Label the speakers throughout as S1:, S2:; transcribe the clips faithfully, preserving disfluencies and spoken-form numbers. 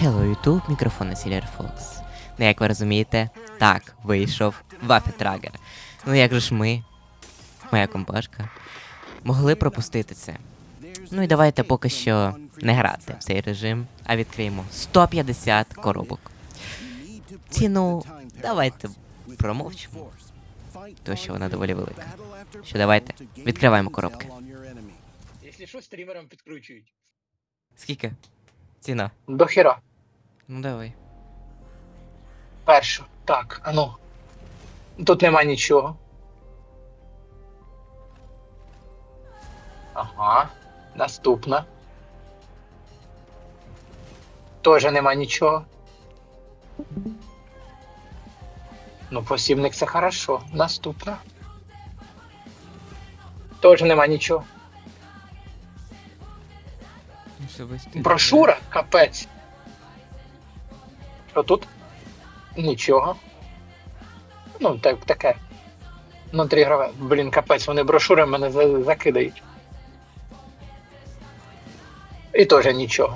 S1: Hello YouTube, мікрофон на Silver Fox. Ну, як ви розумієте, так, вийшов Вафетрагер. Ну як же ж ми, моя компашка, могли пропустити це? Ну і давайте поки що не грати в цей режим, а відкриємо сто п'ятдесят коробок. Ціну давайте промовчимо, тому що вона доволі велика. Що давайте, відкриваємо коробки.
S2: Якщо що, стрімерам підкручують.
S1: Скільки? Ціна?
S2: До хера.
S1: Ну давай.
S2: Першу. Так, а ну. Тут нема нічого. Ага. Наступна. Тоже нема нічого. Ну, посібник це хорошо. Наступна. Тоже нема нічого. Брошура? Капець. Що тут? Нічого. Ну, так, таке. Внутрігрове. Блін, капець, вони брошури мене за- закидають. І теж нічого.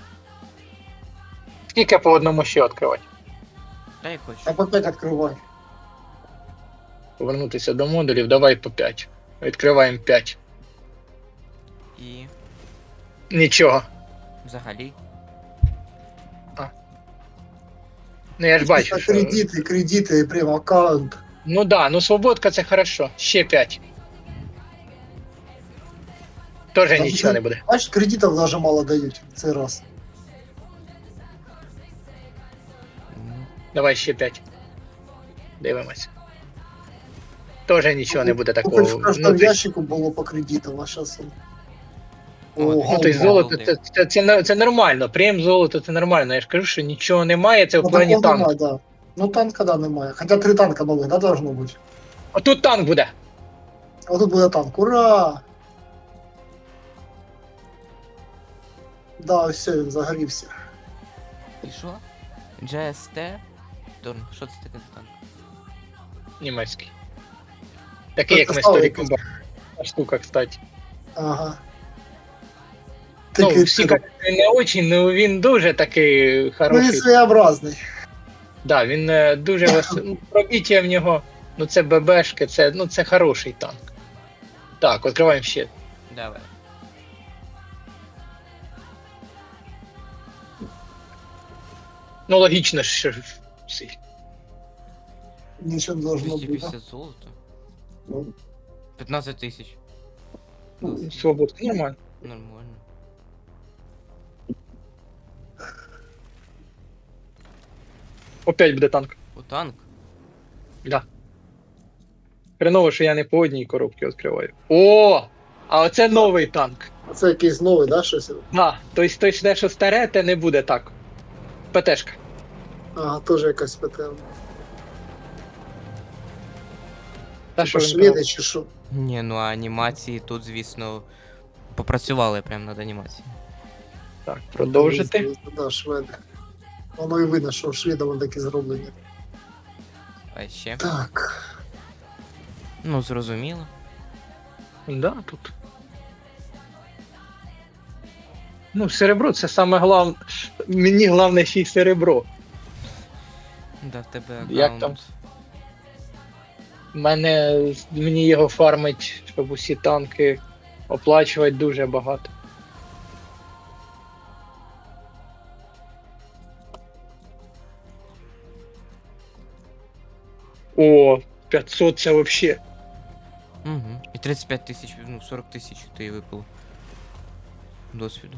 S2: Скільки по одному ще відкривати?
S1: Та я хочу.
S3: А по пять открывай.
S2: Повернутися до модулів, давай по п'ять. Відкриваємо п'ять.
S1: І
S2: Нічого.
S1: взагалі.
S2: Ну я ж бачу,
S3: Это
S2: що...
S3: кредиты, кредиты, прям аккаунт.
S2: Ну да, ну свободка це хорошо. Ще п'ять. Тоже нічого не буде.
S3: Значит, кредитов даже мало дают. Цей раз.
S1: Ну,
S2: Давай ще п'ять. Дивимось. Тоже нічого не буде
S3: Хоть
S2: такого.
S3: в каждом
S2: Ну, ти-
S3: ящику было по кредитам, а сейчас он...
S1: О,
S3: Ого,
S2: Ну, то есть золото
S1: Голди.
S2: це, це, це, це нормально. Прем золото це нормально. Я ж кажу, що нічого немає, це в
S3: ну,
S2: плані
S3: такого
S2: танку.
S3: нема, да. Ну танка, да, немає. Хотя три танка новых, да, должно быть.
S2: А тут танк буде.
S3: А тут буде танк. Ура! Да, все, він загорівся.
S1: і що? джі ес ті? Торн, що це таке за танк?
S2: Німецький. Такий,
S3: Це
S2: як ми
S3: стало
S2: сторі
S3: якось.
S2: комбат. Штука, кстати.
S3: Ага.
S2: Ну,
S3: Такий,
S2: всі кажуть, він не очень, ну він дуже такий
S3: ну, він
S2: хороший.
S3: своєобразний.
S2: Да, він е, дуже вес... ну, пробиття в нього, ну це ББшки, це, ну, це хороший танк. Так, відкриваємо ще.
S1: Давай.
S2: Ну, логічно, що ж всі.
S3: Нічого не должно
S1: двісті
S3: бути.
S1: п'ятдесят золота.
S3: Ну,
S1: п'ятнадцять тисяч.
S2: Ну, свободка, нормально.
S1: Нормально.
S2: Опять буде танк.
S1: О, танк?
S2: Да. Хреново, що я не по одній коробці відкриваю. О! А оце новий танк.
S3: Це якийсь новий, да, щось?
S2: Да, тобто той, те, що старе, те не буде так. ПТшка.
S3: Ага, теж якась ПТ.
S2: Та що
S3: Типа
S2: він казав?
S3: шведи чи що?
S1: Ні, ну а анімації тут, звісно, попрацювали прямо над анімацією.
S2: Так, продовжити.
S3: Да, шведи. Воно і видно, що шведи вони такі зроблені.
S1: А ще?
S3: Так.
S1: Ну, зрозуміло.
S2: Да, тут. Ну, серебро це саме головне. Мені головне ще й серебро.
S1: Да, в тебе аккаунт.
S2: Як там? Мене, мені його фармить, щоб усі танки оплачувати дуже багато. О, п'ятсот це вообще.
S1: Угу. І тридцять п'ять тисяч, ну сорок тисяч то і випало. Досвіду.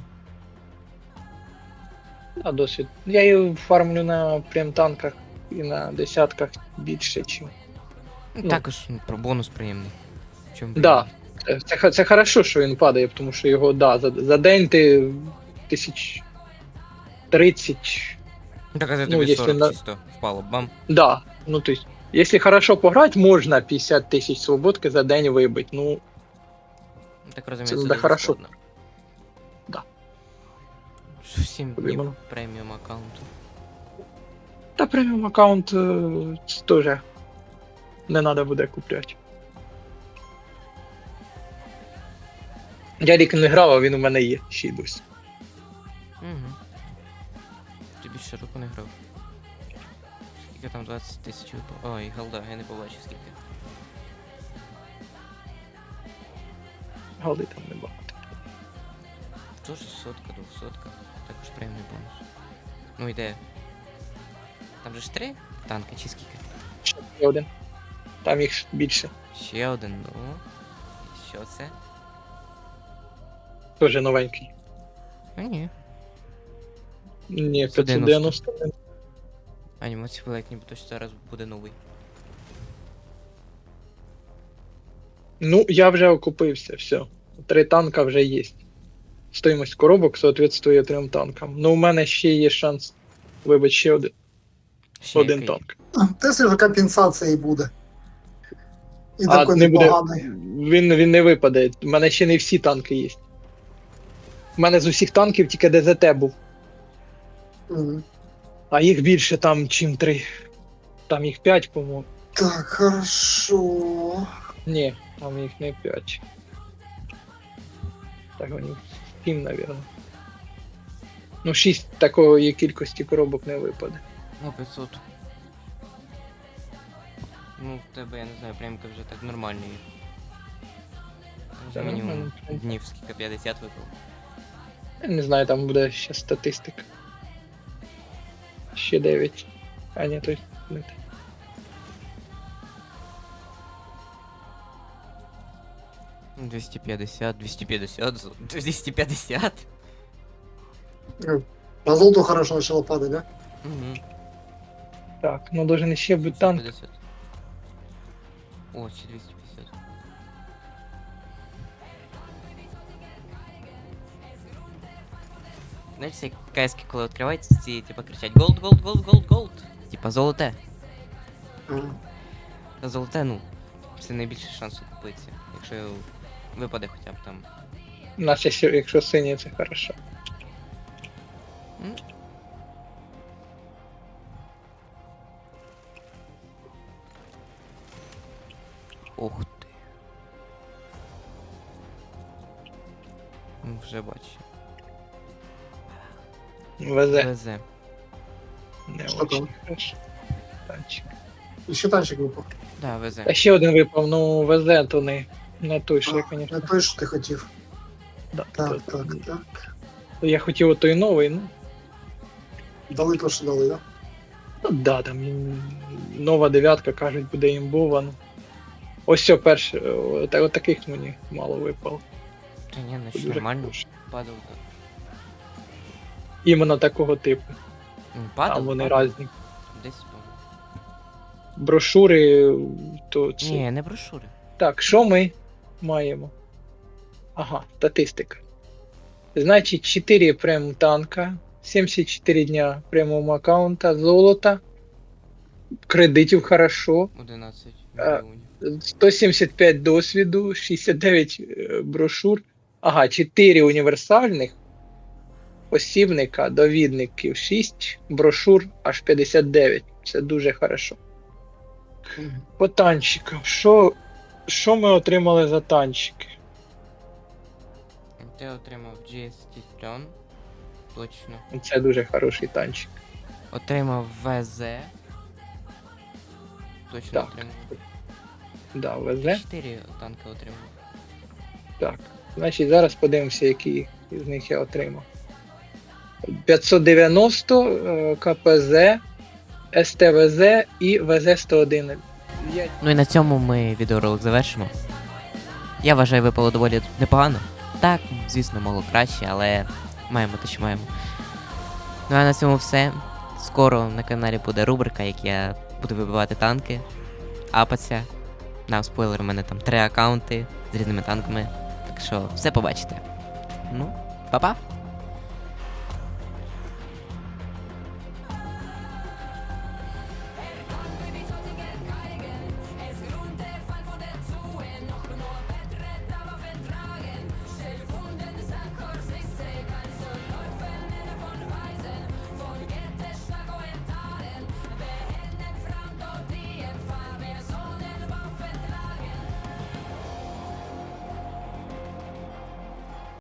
S2: А досвід. Я її фармлю на прем-танках і на десятках більше, чим.
S1: Ну,
S2: Ну.
S1: також ну, про бонус приємний. В чому
S2: Да. Це, це, х- це хорошо, що він падає, тому що його, да, за, за день ти тисяч тридцять.
S1: Ну, так, а за
S2: ну,
S1: тобі
S2: якщо
S1: сорок
S2: на-
S1: чисто впало, бам.
S2: Да. Ну, то есть, якщо хорошо пограти, можна п'ятдесят тисяч свободки за день вибити. Ну,
S1: Ну, так розумію,
S2: Це
S1: це
S2: буде
S1: дуже
S2: хорошо.
S1: складно.
S2: Да.
S1: сім
S2: Тобі
S1: днів
S2: воно.
S1: преміум аккаунту.
S2: та преміум аккаунт е, це теж не треба буде купляти. Я рік не грав, а він у мене є ще й досі.
S1: Угу. більше року не грав. Скільки там двадцять тисяч випав? Ой, голда, я не побачив скільки.
S2: Голди там небагато.
S1: Тоже сотка, двохсотка. Також приємний бонус. Ну йде. Там же ж три танки чи скільки?
S2: Ще один. Там їх більше.
S1: Ще один, ну. І що це?
S2: Теж новенький.
S1: А ні.
S2: Ні,
S1: сто
S2: п'ятсот
S1: дев'яносто.
S2: дев'яносто.
S1: Анімація була, як ніби точно зараз буде новий.
S2: Ну, я вже окупився, все. Три танка вже є. Стоїмость коробок соответствує трьом танкам. Ну, у мене ще є шанс вибити ще один,
S1: Ще
S2: один
S1: який?
S2: танк.
S3: Те вже компенсація і буде. І
S2: А,
S3: такий
S2: не буде.
S3: непоганий.
S2: Він, він не випаде. У мене ще не всі танки є. У мене з усіх танків тільки ДЗТ був.
S3: Мгм.
S2: А їх більше там, чим три. Там їх п'ять, по-моєму.
S3: Так, хорошо.
S2: Ні, там їх не п'ять. Так, вони сім, навірно. Ну, шість такої кількості коробок не випаде.
S1: Ну, п'ятсот. Ну, в тебе, я не знаю, прямка вже так нормально є. Вже
S2: Та
S1: мінімум
S2: нормально.
S1: днів скільки п'ятдесят випав.
S2: Я не знаю, там буде ще статистика. Ще дев'ять. А ні, то не те.
S1: Ну, двісті п'ятдесят, двісті п'ятдесят, зо- двісті п'ятдесят.
S3: Ну, На золото хорошо почало падати, да?
S1: Угу.
S2: Так, ну должен ще бути танк.
S1: О, ще двісті п'ятдесят. Знаєш, всі кайськи, коли відкриваються, ці типа кричать голд, голд, голд, голд, голд. Типа золоте.
S3: Ага.
S1: Та золоте, ну, це найбільший шанс купитися. Якщо випаде хоча б там.
S2: У нас якщо, якщо синє, це хорошо.
S1: М? Ух ти. Ну, вже бачу.
S2: Везе.
S1: Везе.
S2: Не
S3: Що
S2: очень
S3: там?
S2: хорошо. Танчик.
S3: І ще танчик випав.
S1: Да, везе.
S2: А ще один випав, ну везе, то не, не той, що я,
S3: А, Не
S2: звісно.
S3: той, що ти хотів.
S2: Да,
S3: Так,
S2: то-
S3: так, так.
S2: Я хотів отой новий, ну.
S3: Дали то, що дали, да?
S2: Ну да, там ім- нова дев'ятка, кажуть, буде імбова. Ну. Ось все перше, от, от таких мені мало випало.
S1: Та ні, ну
S2: Дуже
S1: що, нормально.
S2: хороше.
S1: Падав. так.
S2: Іменно такого типу.
S1: Ну, падав,
S2: Там вони
S1: падав.
S2: різні.
S1: Десь, по-моєму.
S2: Брошури, то це.
S1: Ні, не брошури.
S2: Так, що ми маємо? Ага, статистика. Значить, чотири прем танка, сімдесят чотири дня преміум аккаунта, золота, кредитів хорошо,
S1: одинадцять
S2: А,
S1: мільйонів.
S2: сто сімдесят п'ять досвіду, шістдесят дев'ять е, брошур. Ага, чотири універсальних посібника, довідників шість, брошур аж п'ятдесят дев'ять. Це дуже хорошо.
S3: Мгм.
S2: По танчикам. Що, що ми отримали за танчики?
S1: Ти отримав джі ес ті Stone. Точно.
S2: Це дуже хороший танчик.
S1: Отримав ВЗ. Точно
S2: Так.
S1: отримав.
S2: Да, везе.
S1: Чотири танки отримав.
S2: Так. Значить, зараз подивимося, які з них я отримав. п'ятсот дев'яносто, е, КПЗ, СТВЗ і ВЗ сто один. Я
S1: Ну і на цьому ми відеоролик завершимо. Я вважаю, випало доволі непогано. Так, звісно, могло краще, але маємо те, що маємо. Ну а на цьому все. Скоро на каналі буде рубрика, як я буду вибивати танки, апаться. На спойлер, у мене там три аккаунти з різними танками. Так що все побачите. Ну, па-па!